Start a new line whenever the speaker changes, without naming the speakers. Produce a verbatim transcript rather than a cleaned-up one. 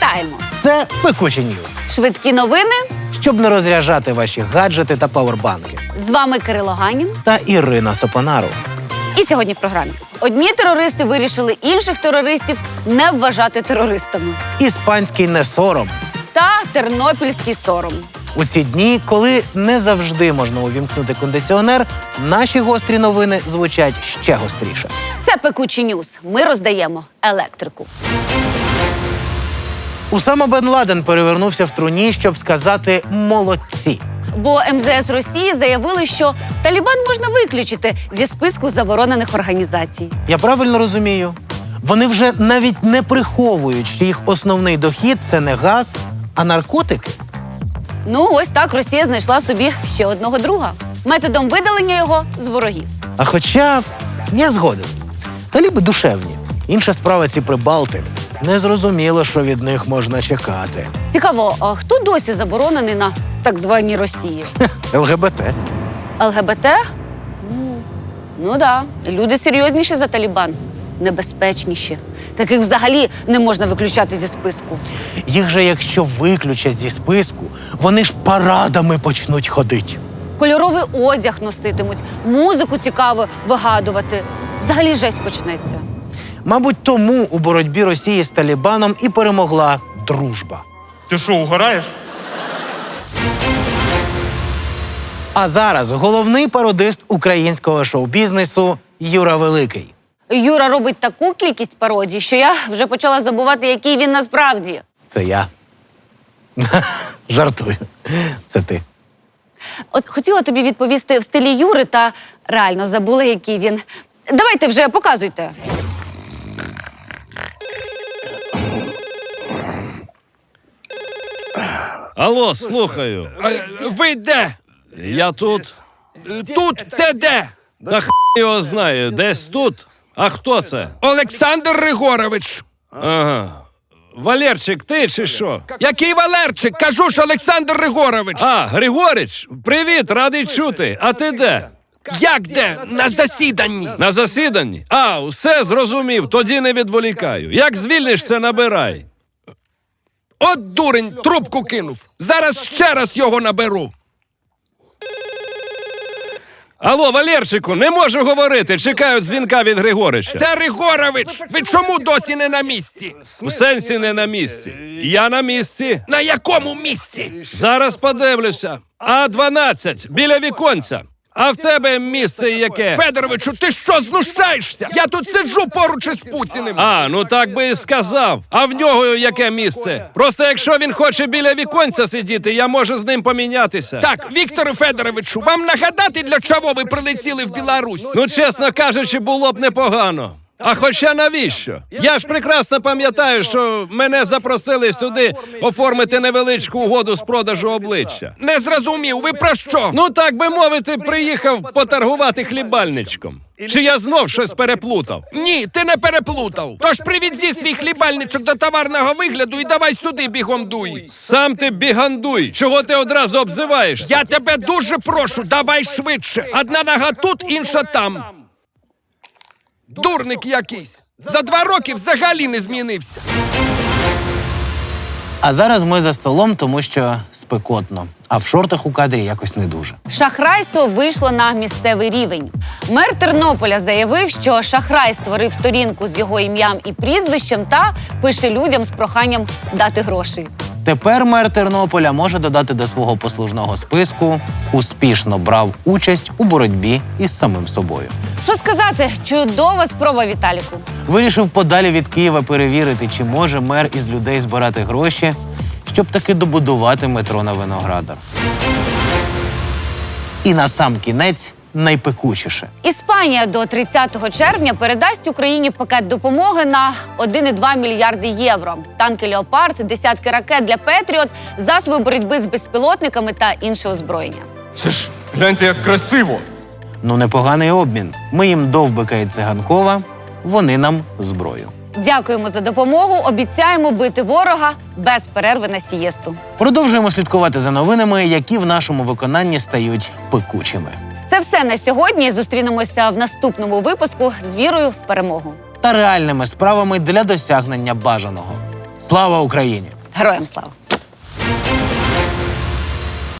Вітаємо!
Це Пекучі Ньюс.
Швидкі новини.
Щоб не розряджати ваші гаджети та павербанки.
З вами Кирило Ганін
та Ірина Сопонару.
І сьогодні в програмі. Одні терористи вирішили інших терористів не вважати терористами.
Іспанський не сором.
Та тернопільський сором.
У ці дні, коли не завжди можна увімкнути кондиціонер, наші гострі новини звучать ще гостріше.
Це Пекучі Ньюс. Ми роздаємо електрику.
Усама бен Ладен перевернувся в труні, щоб сказати «молодці».
Бо ем зе ес Росії заявили, що Талібан можна виключити зі списку заборонених організацій.
Я правильно розумію? Вони вже навіть не приховують, що їх основний дохід – це не газ, а наркотики?
Ну, ось так Росія знайшла собі ще одного друга. Методом видалення його з ворогів.
А хоча я згоден. Таліби душевні. Інша справа ці прибалти. Незрозуміло, що від них можна чекати.
Цікаво, а хто досі заборонений на так званій Росії?
ел ге бе те.
ел ге бе те? Ну, ну да. Люди серйозніші за Талібан. Небезпечніші. Таких взагалі не можна виключати зі списку.
Їх же, якщо виключать зі списку, вони ж парадами почнуть ходити.
Кольоровий одяг носитимуть, музику цікаво вигадувати. Взагалі жесть почнеться.
Мабуть, тому у боротьбі Росії з Талібаном і перемогла дружба.
Ти що, угораєш?
А зараз головний пародист українського шоу-бізнесу Юра Великий.
Юра робить таку кількість пародій, що я вже почала забувати, який він насправді.
Це я. Жартую. Це ти.
От хотіла тобі відповісти в стилі Юри, та реально забула, який він. Давайте вже, показуйте.
Алло, слухаю.
Ви де?
Я тут.
Тут це де?
Та х його знає, десь тут. А хто це?
Олександр Григорович.
Ага. Валерчик, ти чи що?
Який Валерчик? Кажу ж, Олександр Григорович.
А, Григорич, привіт, радий чути. А ти де?
Як де? На засіданні.
На засіданні? А, все зрозумів, тоді не відволікаю. Як звільнишся, набирай.
От дурень, трубку кинув. Зараз ще раз його наберу.
Алло, Валерчику, не можу говорити, чекаю дзвінка від Григорича.
Це Григорович. Ви чому досі не на місці?
У сенсі не на місці. Я на місці.
На якому місці?
Зараз подивлюся. А дванадцять, біля віконця. А в тебе місце яке?
Федоровичу, ти що, знущаєшся? Я тут сиджу поруч із Путіним.
А, ну так би і сказав. А в нього яке місце? Просто якщо він хоче біля віконця сидіти, я можу з ним помінятися.
Так, Віктору Федоровичу, вам нагадати, для чого ви прилетіли в Білорусь?
Ну, чесно кажучи, було б непогано. А хоча навіщо? Я ж прекрасно пам'ятаю, що мене запросили сюди оформити невеличку угоду з продажу обличчя.
Не зрозумів, ви про що?
Ну, так би мовити, приїхав поторгувати хлібальничком. Чи я знов щось переплутав?
Ні, ти не переплутав. Тож привідзі свій хлібальничок до товарного вигляду і давай сюди бігом дуй.
Сам ти бігандуй. Чого ти одразу обзиваєшся?
Я тебе дуже прошу, давай швидше. Одна нога тут, інша там. Дурник якийсь. За два роки взагалі не змінився.
А зараз ми за столом, тому що спекотно. А в шортах у кадрі якось не дуже.
Шахрайство вийшло на місцевий рівень. Мер Тернополя заявив, що шахрай створив сторінку з його ім'ям і прізвищем та пише людям з проханням дати грошей.
Тепер мер Тернополя може додати до свого послужного списку «Успішно брав участь у боротьбі із самим собою».
Що сказати, чудова спроба, Віталіку.
Вирішив подалі від Києва перевірити, чи може мер із людей збирати гроші, щоб таки добудувати метро на Виноградар. І на сам кінець найпекучіше.
Іспанія до тридцятого червня передасть Україні пакет допомоги на один і два мільярди євро. Танки «Леопард», десятки ракет для «Петріот», засоби боротьби з безпілотниками та інше озброєння.
Це ж, гляньте, як красиво.
Ну, непоганий обмін. Ми їм Довбика і Циганкова, вони нам зброю.
Дякуємо за допомогу, обіцяємо бити ворога без перерви на сієсту.
Продовжуємо слідкувати за новинами, які в нашому виконанні стають пекучими.
Це все на сьогодні. Зустрінемося в наступному випуску з вірою в перемогу.
Та реальними справами для досягнення бажаного. Слава Україні!
Героям слава!